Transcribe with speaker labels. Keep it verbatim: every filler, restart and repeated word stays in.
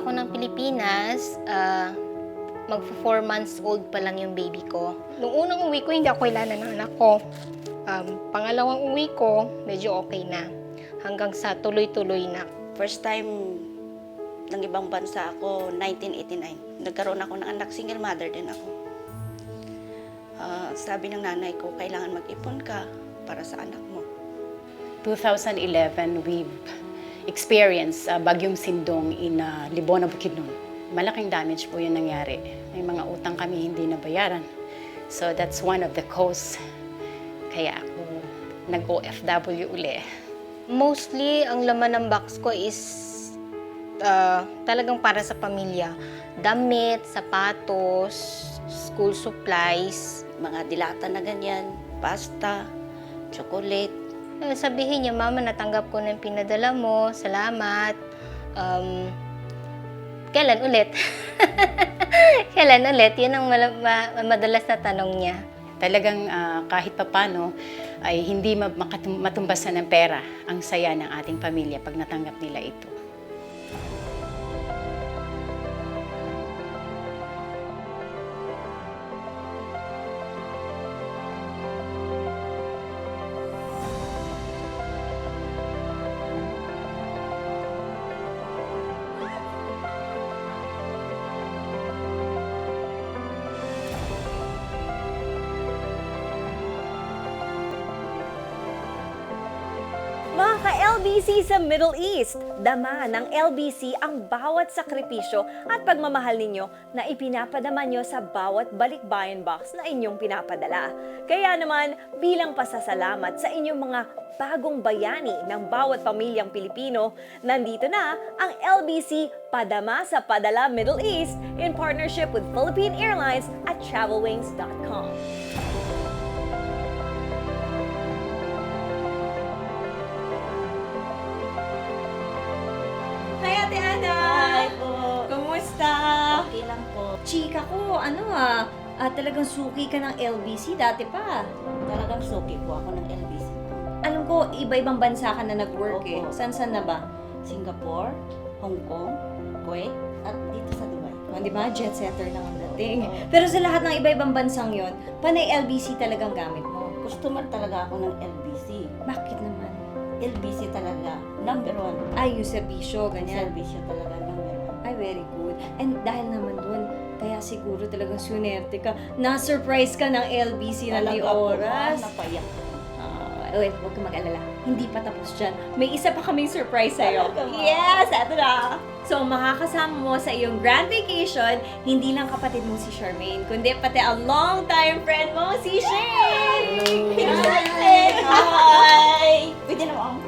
Speaker 1: ako ng Pilipinas, uh, magpo-four months old pa lang yung baby ko. Nung unang uwi ko, hindi ako kailangan ng anak ko. Um, pangalawang uwi ko, medyo okay na. Hanggang sa tuloy-tuloy na.
Speaker 2: First time ng ibang bansa ako, nineteen eighty-nine. Nagkaroon ako ng anak, single mother din ako. Uh, sabi ng nanay ko, kailangan mag-ipon ka para sa anak mo.
Speaker 3: twenty eleven, we've experienced uh, Bagyong Sindong in uh, Libona, Bukidnon. Malaking damage po yung nangyari. May mga utang kami hindi nabayaran. So that's one of the cause. Kaya ako nag-O F W uli.
Speaker 1: Mostly, ang laman ng box ko is uh, talagang para sa pamilya. Damit, sapatos, school supplies.
Speaker 2: Mga dilata na ganyan, pasta, chocolate.
Speaker 1: Eh, Sabihin niya, Mama, natanggap ko na yung pinadala mo. Salamat. Um, kailan ulit? Kailan ulit? Yun ang mala- ma- madalas na tanong niya.
Speaker 3: Talagang uh, kahit papano ay hindi ma- makatum- matumbasan ng pera ang saya ng ating pamilya pag natanggap nila ito.
Speaker 4: Mga ka-L B C sa Middle East, dama ng L B C ang bawat sakripisyo at pagmamahal ninyo na ipinapadama nyo sa bawat balikbayan box na inyong pinapadala. Kaya naman, bilang pasasalamat sa inyong mga bagong bayani ng bawat pamilyang Pilipino, nandito na ang L B C Padama sa Padala Middle East in partnership with Philippine Airlines at travelwings dot com. Hi, Ate Ana!
Speaker 2: Hi po.
Speaker 4: Kumusta?
Speaker 2: Okay lang po.
Speaker 4: Chika ko, ano ah, ah, talagang suki ka ng L B C dati pa.
Speaker 2: Talagang suki po ako ng L B C.
Speaker 4: Alam ko, iba-ibang bansa ka na nag-work eh.
Speaker 2: Opo.
Speaker 4: San-san na ba?
Speaker 2: Singapore, Hong Kong, Kuwait, at dito sa Dubai.
Speaker 4: O, di ba? Jet setter lang ang dating.
Speaker 2: Oo.
Speaker 4: Pero sa lahat ng iba-ibang bansang yon, panay L B C talagang gamit mo.
Speaker 2: Customer talaga ako ng L B C.
Speaker 4: Bakit naman?
Speaker 2: L B C talaga, number one.
Speaker 4: Ay, yung serbisyo, ganyan.
Speaker 2: Servisyo talaga number one.
Speaker 4: Ay, very good. And dahil naman dun, kaya siguro talagang sunerte ka. Na-surprise ka ng L B C na di
Speaker 2: Talaga po,
Speaker 4: oras.
Speaker 2: ah, napayak.
Speaker 4: Uh, wait, huwag ka mag-alala. Hindi pa tapos dyan. May isa pa kaming surprise sa'yo.
Speaker 2: Talaga ba?
Speaker 4: Yes! Ito na! So, makakasama mo sa iyong grand vacation, hindi lang kapatid mo si Charmaine, kundi pati a long-time friend mo, si Shane!
Speaker 2: Hi! Hi! Pwede na mo